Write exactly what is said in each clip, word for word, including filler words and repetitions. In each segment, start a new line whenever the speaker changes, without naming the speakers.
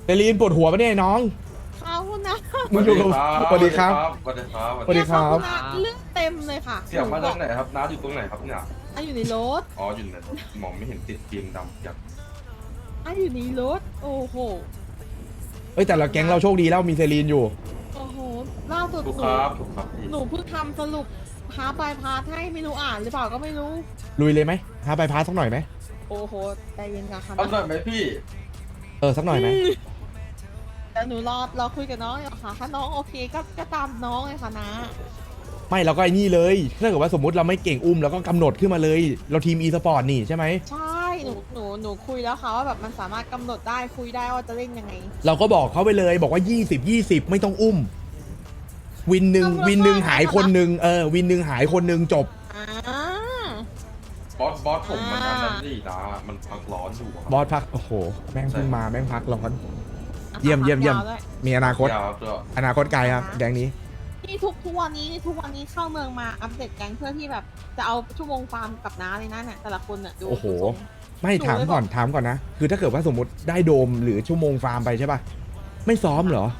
เดลีนปวดหัวปะเนี่ยน้อง
เขานะ
มึงอยู่กับสวัสดีครับ
สวัสดีครับ
สวัสดีครับ
เนี่ยเขานะเรื่องเต็มเลยค่ะ
เสียงมาจากไหนครับน้าอยู่ตรงไหนครับเนี่ย
อ่ะอยู่ในรถ
อ๋ออยู่ไหนมองไม่เห็นติดฟิล์มดำจัด
อ่ะอยู่ในรถโอ้โห
เอ้ยแต่ละแก๊งเราโชคดีแล้วมีเซรีนอยู่
โอ้โหล่าสุด
ถูก
ห
ค
นู
รับถูกครับพี่
หนูเพิ่งทำสรุปหาปลายพาร์ทให้ไม่รู้อ่านหรือเปล่าก็ไม่รู้
ลุยเลยไหมหาไปพาสักหน่อยไหม
โอ้โหใจเย็นกันค่ะ
เอาหน่อยไหมพี่
เออสักหน่อยไหม
แต่หนูรอรอคุยกับน้องอยู่ค่ะถ้าน้องโอเคก็ก็ตามน้องเลยค่ะนะ
ไม่เราก็ไอ้นี่เลยถ้าเกิดว่าสมมติเราไม่เก่งอุ้มเราก็กำหนดขึ้นมาเลย เราทีมอีสปอร์ตนี่ใช่ไหม
ใช่หนูหนูหนูคุยแล้วค่ะว่าแบบมันสามารถกำหนดได้คุยได้ว่าจะเล่นยังไง
เราก็บอกเขาไปเลยบอกว่ายี่สิบ ยี่สิบไม่ต้องอุ้ม วินหนึ่ง
กำหนด
วินหนึ่ง
ได้
หายคนหนึ่งเออวินหนึ่งหายคนหนึ่งจบ
อ่า
บอสบอสผมมันอันนั้นนี่นะมันพักร้อนอยู่ครับ
บอสพักโอ้โหแม่งเพิ่งมาแม่งพักร้อน
อ่ะ
เยี่ยมเยี่ยมเยี่ยม
วด้วย
มีอนาคต
ยาวด้วย
อนาคตไกลครับแดงนี้
นี่ทุกทุกวันนี้ทุกวันนี้เข้าเมืองมาอัปเดตแก๊งเพื่อที่แบบจะเอาชั่วโมงฟาร์มกับน้าเลยนะเนี่ยแต่ละคนอ่ะดู
โอ้โห
ดูทรง
ไม่ถามก่อนถามก่อนนะ คือถ้าเกิดว่าสมมติได้โดมหรือชั่วโมงฟาร์มไปใช่ป่ะ ไม่ซ้อมเหรอ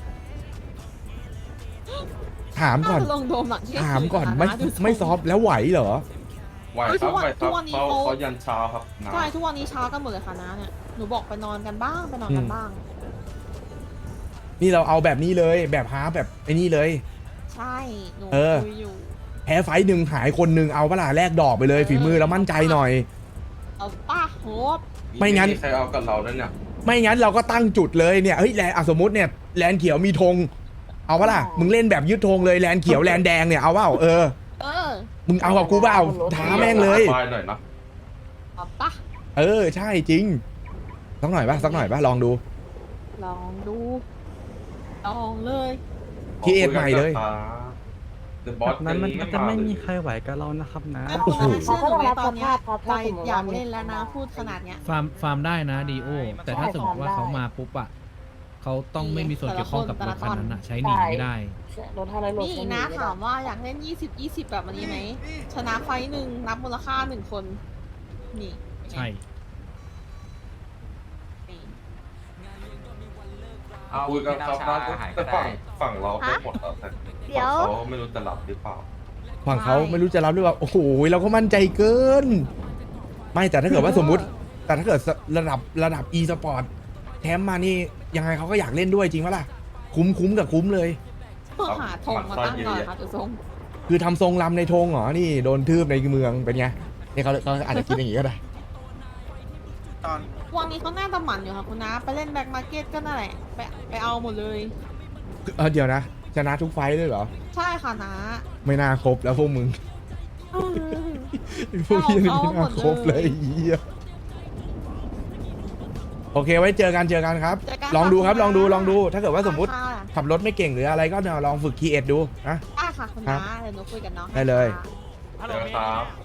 ถามก่อน
น่าจะลงโดมหลังเที่ยง
ถามก่อน
คืะ
ไม่
ดูทรง
ไม่ซ้อมแล้วไหวเหรอ
ไหวครับไหวครับเขาเขายันเช้าครับน้า
ใช่ทุกวันนี้เช้ากันหมดเลยค่ะน้าเนี่ยหนูบอกไปนอนกันบ้างไปนอนกันบ้าง
นี่เราเอาแบบนี้เลยแบบฮาร์ปแบบไอ้นี่เลย
ใช่หนู
เออ
คุยอยู่
แพ้ไฟต์หนึ่งหายคนหนึ่งเอาเปะล่าแลกดอกไปเลย ฝีมือเรามั่นใจหน่อย
เอาป้าโหบ
ไม่งั้น
ใครเอากับเราเนี่ย
ไม่งั้นเราก็ตั้งจุดเลยเนี่ยเฮ้ยแลนอ่ะสมมติเนี่ยแลนเขียวมีธงเอาเปะล่ามึงเล่นแบบยึดธงเลยแลนเขียวแลนแดงเนี่ยเอาเปล่าเออ
เออ
มึงเอากับกูเปล่าท้าแม่งเลย
บายหน่อยนะ
เอาป้า
เออใช่จริงสักหน่อยป่ะสักหน่อยป่ะลองดู
ลองดูลองเลย
พี่เอ็ดใหม่เลย
เดอะบอ
แบ
ส
บนั้นมัน
ยัง
จะไม่
าเลย
มีใครไหวกับเรานะครับนะ
ไอ้พวกนั้นเชื่อหนูไหมตอนเนี้ยใจอยากเล่นแล้วนะพูดขนาดเนี้ย
ฟาร์มฟาร์มได้นะดีโอแต่ถ้าสมมติว่าเขามาปุ๊บอะเขาต้องไม่มีส่วนเกี่ยวข้องกับรถคันนั้นอะใช้หนีไม่ได้
รถห้าร้อยโล
นี่นะถามว่าอยากเล่น ยี่สิบ ยี่สิบ แบบนี้ไหม ชนะไฟท์หนึ่งนับมูลค่าหนึ่งคน นี่
ใช่
นี่
คุยกันครับน้าแต่ฝั่งฝั่งเราไปหมดแล้วแต่ฝั่งเขาไม่รู้จะรับหรือเปล่า
ฝั่งเขาไม่รู้จะรับหรือเปล่าโอ้โหเราก็มั่นใจเกิน ไม่แต่ถ้าเกิดว่าสมมุติ แต่ถ้าเกิดระดับระดับ e สปอร์ตแถมมานี่ยังไงเขาก็อยากเล่นด้วยจริงปะล่ะคุ้มคุ้มกับคุ้มเลย
เพื่อหาธงมาตั้งก่อนค่ะจุทรง
คือทำทรงลำในธงเหรอนี่โดนทืบในเมืองเป็นไงนี่เขาเขาอาจจะคิดอย่างนี้ก็ได้
วันนี้เขาหน้าตะหมันอยู่ค่ะคุณน้าไปเล่นแบ็คมาร์เก็ตก็นั่นแหละ ไปไปเอาหมดเลย
เออเดี๋ยวนะชนะทุกไฟต์เลยเหรอ
ใช่ค่ะน้า
ไม่น่าครบแล้วพวกมึง
เออ
พวกนี้ไม่
เอาหม
น่า
ด
ครบเลย
เลย
เหี้ยโอเคไว้เจอกันเจอกันครับ
เจอกัน
ลองดูครับ
ค่ะ
ลองดูลองดู ถ้าเกิดว่าสมมติ
ค่ะ
ขับรถไม่เก่งหรืออะไรก็เนี่ยลองฝึกคีเอทดูนะ
ได้ค่ะคุณน้าเดี๋ยวหนูคุยกับน้องให้
ได้เลย
ค่ะ
เจอครับ